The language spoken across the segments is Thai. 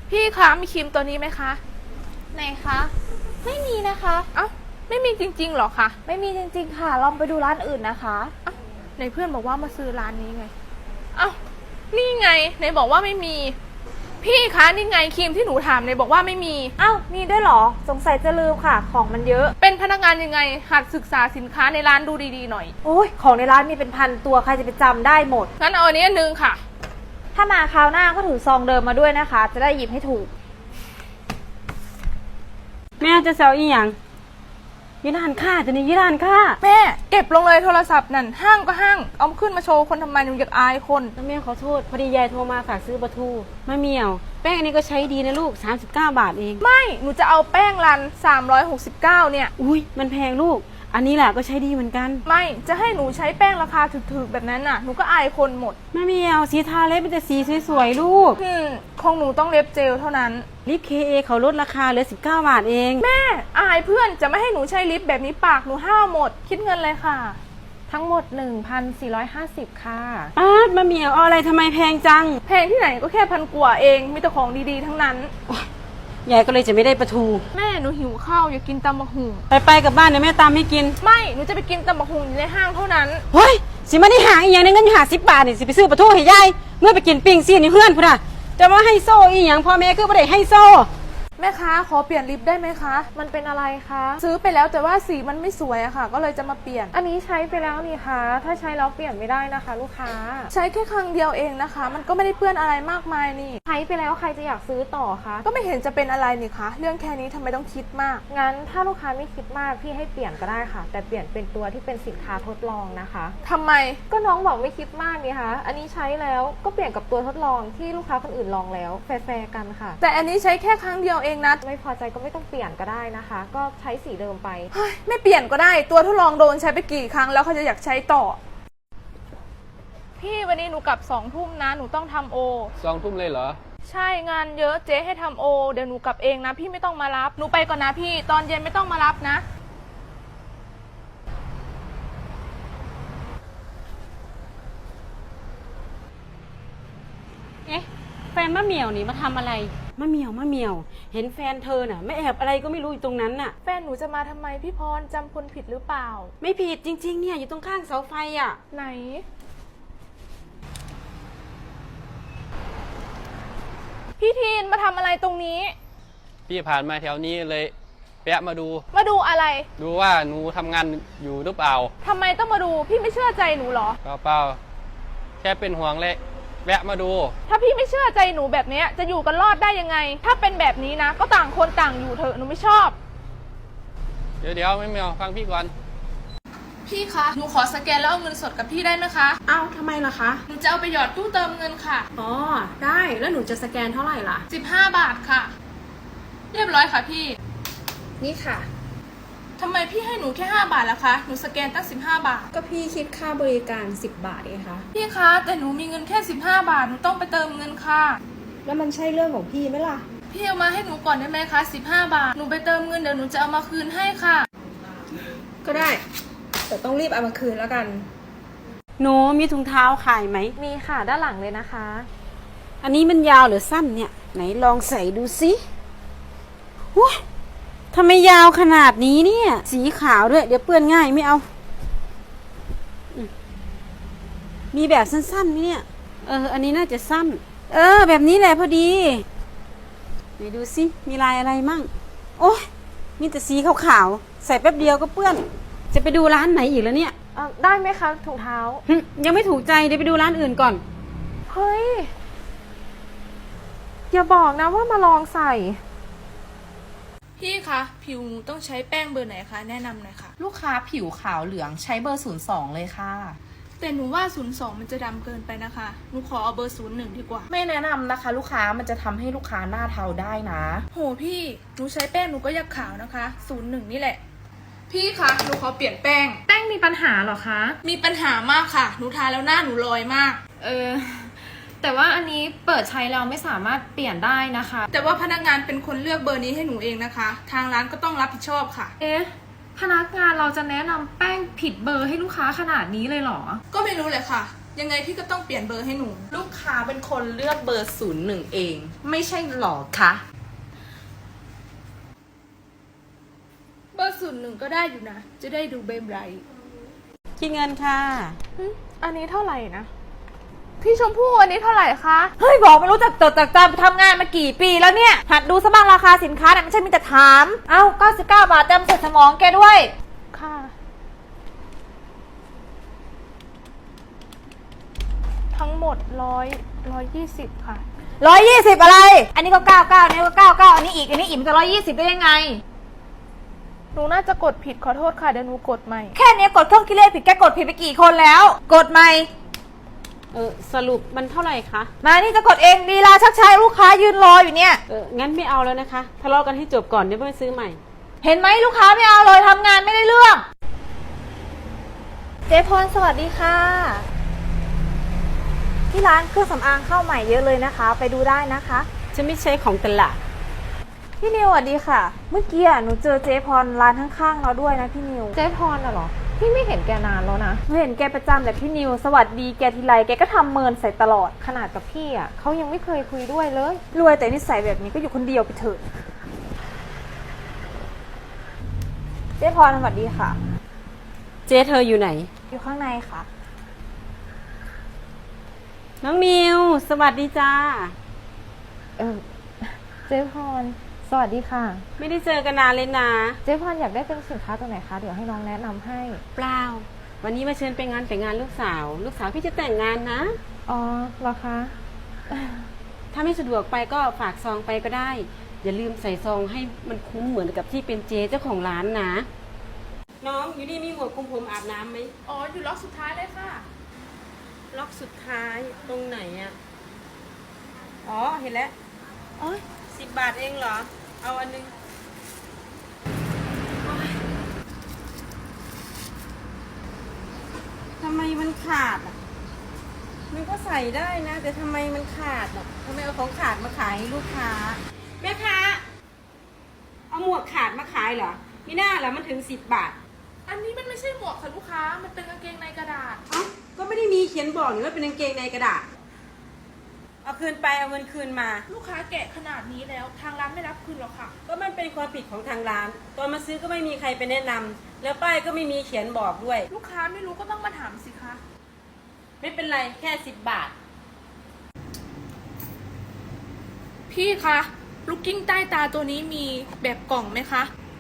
พี่คะมีครีมตัวนี้ไหมคะไหนคะไม่มีนะคะเอ้าไม่มีจริงๆหรอคะไม่มีจริงๆค่ะลองไปดูร้านอื่นนะคะเอ้าในเพื่อนบอกว่ามาซื้อร้านนี้ไงเอ้านี่ไงในบอกว่าไม่มีพี่คะนี่ไงครีมที่หนูถามในบอกว่าไม่มีอ้าวมีด้วยเหรอสงสัยจะลืมค่ะของมันเยอะเป็นพนักงานยังไงหัดศึกษาสินค้าในร้านดูดีๆหน่อยโอ้ยของในร้านมีเป็นพันตัวใครจะไปจำได้หมดงั้นเอาอันนี้อันนึงค่ะถ้ามาคราวหน้าก็ถือซองเดิมมาด้วยนะคะจะได้หยิบให้ถูกแม่จะเซลอีหยังยี่ร้านค่าจะนี่ยี่ร้านค่าแม่เก็บลงเลยโทรศัพท์นั่นห้างก็ห้างเอาขึ้นมาโชว์คนทำไมหนูอยากอายคนแม่ขอโทษพอดียายโทรมาฝากซื้อปลาทูมะเหมี่ยวแป้งอันนี้ก็ใช้ดีนะลูก39 บาทเองไม่หนูจะเอาแป้งรัน369เนี่ยอุ้ยมันแพงลูกอันนี้แหละก็ใช้ดีเหมือนกันไม่จะให้หนูใช้แป้งราคาถูกๆแบบนั้นน่ะหนูก็อายคนหมดมะเหมี่ยวสีทาเล็บมันจะสีสวยๆลูกของหนูต้องเล็บเจลเท่านั้นลิป KA เขาลดราคาเหลือ19 บาทเองแม่อายเพื่อนจะไม่ให้หนูใช้ลิปแบบนี้ปากหนูห้าวหมดคิดเงินเลยค่ะทั้งหมด 1,450 ค่ะมะเหมี่ยวเอาอะไรทำไมแพงจังแพงที่ไหนก็แค่1,000 กว่าเองมีแต่ของดีๆทั้งนั้นยายก็เลยจะไม่ได้ปลาทูแม่หนูหิวข้าวอยากกินตำบักหุ่งไปกับบ้านเดี๋ยวแม่ตามให้กินไม่หนูจะไปกินตำบักหุ่งอยู่ในห้างเท่านั้นเฮ้ยสิมาได้หาอีกอย่างนึงเงินหา10 บาทนี่สิไปซื้อปลาทูให้ยายเมื่อไปกินปิ้งซี่นี่เพื่อนพุ่นน่ะจะมาให้โซ่อีหยังพ่อแม่คือบ่ได้ให้โซ่แม่ค้าขอเปลี่ยนลิปได้ไหมคะมันเป็นอะไรคะซื้อไปแล้วแต่ว่าสีมันไม่สวยอะค่ะก็เลยจะมาเปลี่ยนอันนี้ใช้ไปแล้วนี่คะถ้าใช้แล้วเปลี่ยนไม่ได้นะคะลูกค้าใช้แค่ครั้งเดียวเองนะคะมันก็ไม่ได้เปื้อนอะไรมากมายนี่ใช้ไปแล้วใครจะอยากซื้อต่อคะก็ไม่เห็นจะเป็นอะไรนี่คะเรื่องแค่นี้ทำไมต้องคิดมากงั้นถ้าลูกค้าไม่คิดมากพี่ให้เปลี่ยนก็ได้ค่ะแต่เปลี่ยนเป็นตัวที่เป็นสินค้าทดลองนะคะทำไมก็น้องบอกไม่คิดมากนี่คะอันนี้ใช้แล้วก็เปลี่ยนกับตัวทดลองที่ลูกค้าคนอื่นลองแล้วแฟร์กันค่ะแต่อันนี้ใช้แค่ครั้งเดียวเองนะไม่พอใจก็ไม่ต้องเปลี่ยนก็ได้นะคะก็ใช้สีเดิมไปไม่เปลี่ยนก็ได้ตัวทดลองโดนใช้ไปกี่ครั้งแล้วเขาจะอยากใช้ต่อพี่วันนี้หนูกลับ2 ทุ่มนะหนูต้องทำโอ 2 ทุ่มเลยเหรอใช่งานเยอะเจ๊ให้ทำโอเดี๋ยวหนูกลับเองนะพี่ไม่ต้องมารับหนูไปก่อนนะพี่ตอนเย็นไม่ต้องมารับนะแฟนมะเหมี่ยวนี่มาทำอะไรมะเหมี่ยวเห็นแฟนเธอน่ะไม่แอบอะไรก็ไม่รู้อยู่ตรงนั้นน่ะแฟนหนูจะมาทำไมพี่พรจำคนผิดหรือเปล่าไม่ผิดจริงๆเนี่ยอยู่ตรงข้างเสาไฟอ่ะไหนพี่ทีนมาทำอะไรตรงนี้พี่ผ่านมาแถวนี้เลยแวะมาดูอะไรดูว่าหนูทำงานอยู่หรือเปล่าทำไมต้องมาดูพี่ไม่เชื่อใจหนูหรอเปล่าแค่เป็นห่วงเลยแวะมาดูถ้าพี่ไม่เชื่อใจหนูแบบนี้จะอยู่กันรอดได้ยังไงถ้าเป็นแบบนี้นะก็ต่างคนต่างอยู่เถอะหนูไม่ชอบเดี๋ยวไม่เอาฟังพี่ก่อนพี่คะหนูขอสแกนแล้วเอาเงินสดกับพี่ได้ไหมคะอ้าวทำไมล่ะคะหนูจะเอาไปหยอดตู้เติมเงินค่ะอ๋อได้แล้วหนูจะสแกนเท่าไหร่ล่ะ 15 บาทค่ะเรียบร้อยค่ะพี่นี่ค่ะทำไมพี่ให้หนูแค่5 บาทล่ะคะหนูสแกนตั้ง15 บาทก็พี่คิดค่าบริการ10 บาทเองคะพี่คะแต่หนูมีเงินแค่15 บาทหนูต้องไปเติมเงินค่ะแล้วมันใช่เรื่องของพี่ไหมล่ะพี่เอามาให้หนูก่อนได้ไหมคะ15 บาทหนูไปเติมเงินเดี๋ยวหนูจะเอามาคืนให้ค่ะก็ได้แต่ต้องรีบเอามาคืนแล้วกันหนูมีถุงเท้าขายไหมมีค่ะด้านหลังเลยนะคะอันนี้มันยาวหรือสั้นเนี่ยไหนลองใส่ดูสิว้าทำไมยาวขนาดนี้เนี่ยสีขาวด้วยเดี๋ยวเปื้อนง่ายไม่เอามีแบบสั้นๆไหมเนี่ยอันนี้น่าจะสั้นแบบนี้แหละพอดีไหนดูสิมีลายอะไรมั่งโอ้ยมีแต่สีขาวๆใส่แป๊บเดียวก็เปื้อนจะไปดูร้านไหนอีกแล้วเนี่ยได้ไหมคะถุงเท้ายังไม่ถูกใจเดี๋ยวไปดูร้านอื่นก่อนเฮ้ยอย่าบอกนะว่ามาลองใส่พี่คะผิวหนูต้องใช้แป้งเบอร์ไหนคะแนะนำหน่อยค่ะลูกค้าผิวขาวเหลืองใช้เบอร์02เลยค่ะแต่หนูว่า02มันจะดำเกินไปนะคะหนูขอเอาเบอร์01ดีกว่าไม่แนะนำนะคะลูกค้ามันจะทำให้ลูกค้าหน้าเทาได้นะโหพี่หนูใช้แป้งหนูก็อยากขาวนะคะ01นี่แหละพี่คะหนูขอเปลี่ยนแป้งมีปัญหาเหรอคะมีปัญหามากค่ะหนูทาแล้วหน้าหนูลอยมากแต่ว่าอันนี้เปิดใช้แล้วไม่สามารถเปลี่ยนได้นะคะแต่ว่าพนักงานเป็นคนเลือกเบอร์นี้ให้หนูเองนะคะทางร้านก็ต้องรับผิดชอบค่ะพนักงานเราจะแนะนำแป้งผิดเบอร์ให้ลูกค้าขนาดนี้เลยเหรอก็ไม่รู้เลยค่ะยังไงพี่ก็ต้องเปลี่ยนเบอร์ให้หนูลูกค้าเป็นคนเลือกเบอร์ 01 เอง ไม่ใช่หรอคะเบอร์01ก็ได้อยู่นะ จะได้ดูเบมไรท์คิดเงินค่ะอันนี้เท่าไหร่นะ พี่ชมพู่อันนี้เท่าไหร่คะเฮ้ยบอกไม่รู้จักจดจักจำทำงานมากี่ปีแล้วเนี่ย หัดดูซะบ้างราคาสินค้าเนี่ยไม่ใช่มีแต่ถาม เอ้า99 บาทเต็มเสร็จสมองแกด้วยค่ะ ทั้งหมด120ค่ะ 120 อะไร อันนี้ก็99อันนี้ก็99อันนี้อีก อันนี้อีกมันจะ120ได้ยังไงหนูน่าจะกดผิดขอโทษค่ะเดี๋ยวหนูกดใหม่แค่นี้กดเครื่องคิดเลขผิดแกกดผิดไปกี่คนแล้ว กดใหม่สรุปมันเท่าไหร่คะมานี่จะกดเองลีลาชักช้าลูกค้ายืนรออยู่เนี่ยงั้นไม่เอาแล้วนะคะ ทะเลาะกันให้จบก่อนเดี๋ยวไปซื้อใหม่เห็นไหมลูกค้าไม่เอาเลยทำงานไม่ได้เรื่อง เจ๊พรสวัสดีค่ะ ที่ร้านเครื่องสำอางเข้าใหม่เยอะเลยนะคะ ไปดูได้นะคะฉันไม่ใช่ของตลาดพี่นิวสวัสดีค่ะ เมื่อกี้หนูเจอเจ๊พรร้านข้างๆเราด้วยนะพี่นิว เจ๊พรน่ะเหรอ พี่ไม่เห็นแกนานแล้วนะหนูเห็นแกประจำแต่พี่นิวสวัสดีแกทีไรแกก็ทำเมินใส่ตลอดขนาดกับพี่อ่ะเขายังไม่เคยคุยด้วยเลย รวยแต่นิสัยแบบนี้ก็อยู่คนเดียวไปเถอะ เจ๊พรสวัสดีค่ะเจ๊เธออยู่ไหนอยู่ข้างในค่ะน้องนิว สวัสดีจ้าเจ๊พรสวัสดีค่ะไม่ได้เจอกันนานเลยนะเจ๊พรอยากได้เป็นสินค้าตัวไหนคะเดี๋ยวให้น้องแนะนำให้เปล่า วันนี้มาเชิญไปงานแต่งงานลูกสาว ลูกสาวพี่จะแต่งงานนะอ๋อเหรอคะถ้าไม่สะดวกไปก็ฝากซองไปก็ได้ อย่าลืมใส่ซองให้มันคุ้มเหมือนกับที่เป็นเจ๊เจ้าของร้านนะ น้องอยู่นี่มีหัวคุมผมอาบน้ำไหมอ๋อ อยู่ล็อกสุดท้ายเลยค่ะล็อกสุดท้ายตรงไหนอะอ๋อ เห็นแล้วโอ้ย10 บาทเองเหรอ เอาอันนึงโอ๊ยทำไมมันขาดอ่ะ มันก็ใส่ได้นะ แต่ทำไมมันขาดอ่ะทำไมเอาของขาดมาขายให้ลูกค้า แม่ค้า เอาหมวกขาดมาขายเหรอไม่น่าเหรอมันถึง10 บาทอันนี้มันไม่ใช่หมวกค่ะลูกค้า มันเป็นกางเกงในกระดาษเอ้าก็ไม่ได้มีเขียนบอกนี่ว่าเป็นกางเกงในกระดาษ เอาคืนไปเอาเงินคืนมาลูกค้าแกะขนาดนี้แล้วทางร้านไม่รับคืนหรอกค่ะก็มันเป็นความผิดของทางร้าน ตอนมาซื้อก็ไม่มีใครไปแนะนำแล้วป้ายก็ไม่มีเขียนบอกด้วยลูกค้าไม่รู้ก็ต้องมาถามสิคะไม่เป็นไรแค่10 บาทพี่คะลูกกิ้งใต้ตาตัวนี้มีแบบกล่องไหมคะ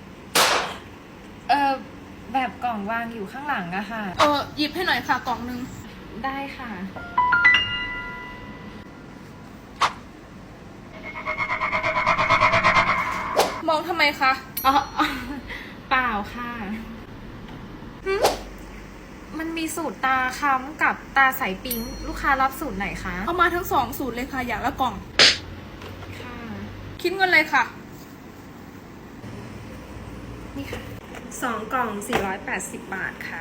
แบบกล่องวางอยู่ข้างหลังอะค่ะหยิบให้หน่อยค่ะกล่องนึงได้ค่ะมองทำไมคะอ๋อ เปล่าค่ะ มันมีสูตรตาค้ำกับตาใสปิ๊งลูกค้ารับสูตรไหนคะเอามาทั้ง2 สูตรเลยค่ะ อย่างละกล่องค่ะคิดเงินเลยค่ะนี่ค่ะ2 กล่อง 480 บาทค่ะ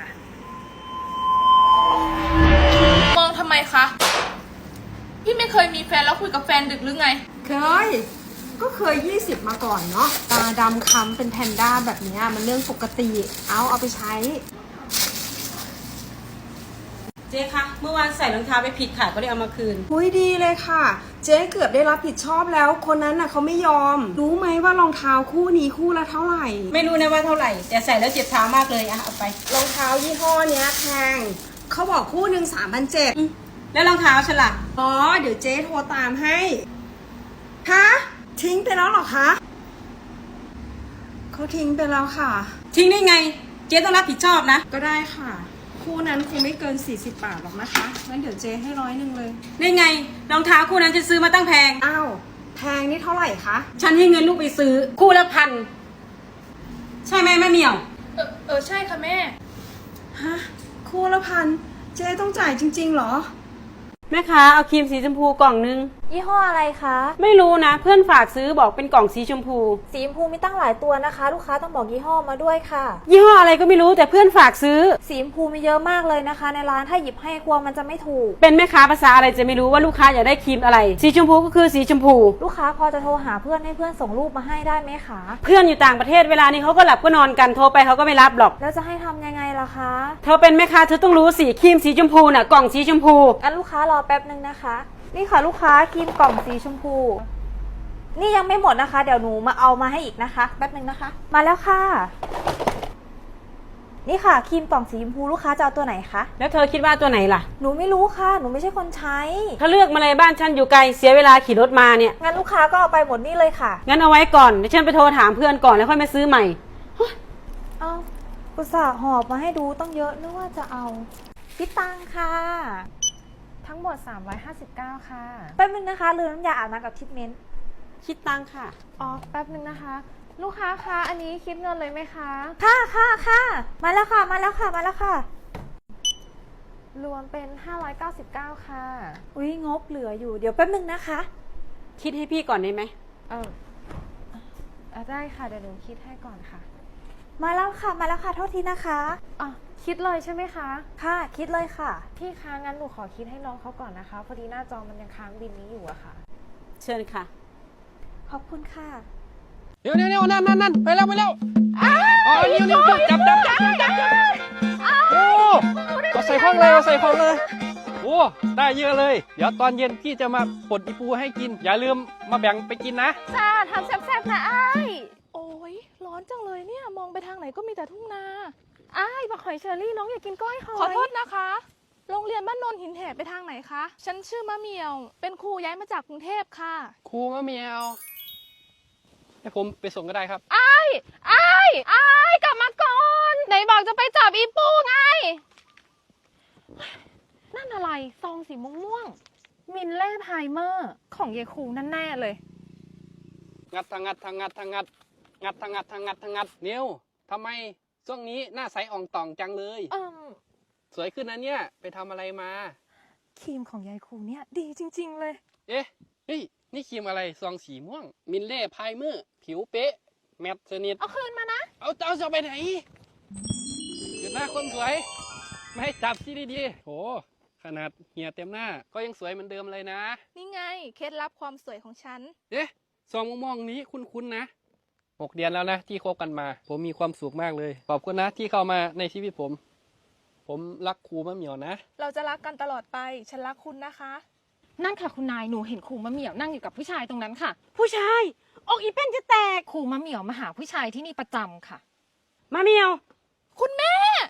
มองทำไมคะ พี่ไม่เคยมีแฟนแล้วคุยกับแฟนดึกหรือไงเคย ก็เคย20มาก่อนเนาะ ตาดำค้ำเป็นแพนด้าแบบเนี้ยมันเรื่องปกติ เอาไปใช้เจ๊คะเมื่อวานใส่รองเท้าไปผิดค่ะก็เลยเอามาคืนหุยดีเลยค่ะ เจ๊เกือบได้รับผิดชอบแล้ว คนนั้นน่ะเขาไม่ยอม รู้ไหมว่ารองเท้าคู่นี้คู่ละเท่าไหร่ไม่รู้นะว่าเท่าไหร่ แต่ใส่แล้วเจ็บเท้ามากเลยอะเอาไปรองเท้ายี่ห้อเนี้ยแพง เขาบอกคู่หนึ่ง3,700 แล้วรองเท้าฉันล่ะอ๋อ เดี๋ยวเจ๊โทรตามให้ ฮะ ทิ้งไปแล้วเหรอคะ เขาทิ้งไปแล้วค่ะทิ้งได้ไง เจ๊ต้องรับผิดชอบนะก็ได้ค่ะ คู่นั้นคงไม่เกิน40 บาทหรอกนะคะงั้นเดี๋ยวเจ๊ให้100เลยได้ไงรองเท้าคู่นั้นฉันซื้อมาตั้งแพงอ้าว แพงนี่เท่าไหร่คะฉันให้เงินลูกไปซื้อคู่ละ1,000 ใช่ไหมแม่เหมียวใช่ค่ะแม่ฮะ คู่ละ1,000 เจ๊ต้องจ่ายจริงๆเหรอแม่ค้าเอาครีมสีชมพูกล่องนึงยี่ห้ออะไรคะไม่รู้นะ เพื่อนฝากซื้อบอกเป็นกล่องสีชมพูสีชมพูมีตั้งหลายตัวนะคะ ลูกค้าต้องบอกยี่ห้อมาด้วยค่ะยี่ห้ออะไรก็ไม่รู้แต่เพื่อนฝากซื้อสีชมพูมีเยอะมากเลยนะคะ ในร้านถ้าหยิบให้กลัวมันจะไม่ถูกเป็นแม่ค้าภาษาอะไรจะไม่รู้ว่าลูกค้าอยากได้ครีมอะไร สีชมพูก็คือสีชมพูลูกค้าพอจะโทรหาเพื่อนให้เพื่อนส่งรูปมาให้ได้ไหมคะเพื่อนอยู่ต่างประเทศเวลานี้เขาก็หลับก็นอนกันโทรไปเขาก็ไม่รับหรอกแล้วจะให้ทำยังไงล่ะคะเธอเป็นแม่ค้าเธอต้องรู้สิครีมสีชมพูน่ะกล่องสีชมพูงั้นลูกค้ารอแป๊บนึงนะคะ นี่ค่ะลูกค้าครีมกล่องสีชมพู นี่ยังไม่หมดนะคะ เดี๋ยวหนูมาเอามาให้อีกนะคะ แป๊บนึงนะคะ มาแล้วค่ะ นี่ค่ะครีมกล่องสีชมพูลูกค้าจะเอาตัวไหนคะแล้วเธอคิดว่าตัวไหนล่ะหนูไม่รู้ค่ะ หนูไม่ใช่คนใช้ถ้าเลือกมาเลยบ้านฉันอยู่ไกลเสียเวลาขี่รถมาเนี่ยงั้นลูกค้าก็เอาไปหมดนี่เลยค่ะงั้นเอาไว้ก่อนเดี๋ยวฉันไปโทรถามเพื่อนก่อนแล้วค่อยมาซื้อใหม่เอาอุตส่าห์หอบมาให้ดูต้องเยอะนึกว่าจะเอาคิดตังค่ะทั้งหมด 359 ค่ะแป๊บนึงนะคะลืมน้ำยาอาบน้ำกับทรีทเมนต์คิดตังค่ะอ๋อ แป๊บนึงนะคะ ลูกค้าคะ อันนี้คิดเงินเลยไหมคะค่ะค่ะค่ะมาแล้วค่ะ มาแล้วค่ะ มาแล้วค่ะรวมเป็น 599 ค่ะอุ้ยงบเหลืออยู่ เดี๋ยวแป๊บนึงนะคะคิดให้พี่ก่อนได้ไหมเออได้ค่ะ เดี๋ยวหนูคิดให้ก่อนค่ะมาแล้วค่ะ มาแล้วค่ะ โทษทีนะคะอ่ะ คิดเลยใช่ไหมคะค่ะ คิดเลยค่ะพี่คะงั้นหนูขอคิดให้น้องเขาก่อนนะคะ พอดีหน้าจอมันยังค้างบินนี้อยู่อะค่ะเชิญค่ะขอบคุณค่ะเดี๋ยวนั่นไปแล้วอ๋อนิ้วจับโอ้เอาใส่ห้องเลยโอ้ได้เยอะเลย เดี๋ยวตอนเย็นพี่จะมาปลดอีปูให้กิน อย่าลืมมาแบ่งไปกินนะจ้าทำแซ่บๆนะอ้ายโอ้ยร้อนจังเลยเนี่ย มองไปทางไหนก็มีแต่ทุ่งนาอ้ายบักหอยเชอรี่น้องอยากกินก้อยหอยขอโทษนะคะ โรงเรียนบ้านโนนหินแหบไปทางไหนคะ ฉันชื่อมะเหมียว เป็นครูย้ายมาจากกรุงเทพค่ะครูมะเมียวให้ผมไปส่งก็ได้ครับอ้ายกลับมาก่อน ไหนบอกจะไปจับอีปูไง นั่นอะไร ซองสีม่วงๆมินเล่ไพรเมอร์ ของเยายครูนั่นแน่เลยงัดทางงัดนิ้วทำไมช่วงนี้หน้าใสอ่องต่องจังเลย สวยขึ้นนะเนี่ย ไปทำอะไรมาครีมของยายครูเนี่ยดีจริงๆเลยเอ๊ะเฮ้ยนี่ครีมอะไรซองสีม่วง มินเล่ไพรเมอร์ ผิวเป๊ะ แมตต์สนิทเอาคืนมานะเอาจะไปไหนหยุดหน้าคนสวย ไม่ให้จับสิดีๆโหขนาดเหี่ยเต็มหน้า ก็ยังสวยเหมือนเดิมเลยนะนี่ไง เคล็ดลับความสวยของฉันเอ๊ะซองม่วงๆนี้คุ้นๆนะ6 เดือนแล้วนะที่คบกันมา ผมมีความสุขมากเลย ขอบคุณนะที่เข้ามาในชีวิตผม ผมรักครูมะเหมียวนะเราจะรักกันตลอดไป ฉันรักคุณนะคะ นั่นค่ะคุณนาย หนูเห็นครูมะเหมี่ยวนั่งอยู่กับผู้ชายตรงนั้นค่ะผู้ชายอกอีเป็นจะแตกครูมะเหมี่ยวมาหาผู้ชายที่นี่ประจำค่ะมาเมียวคุณแม่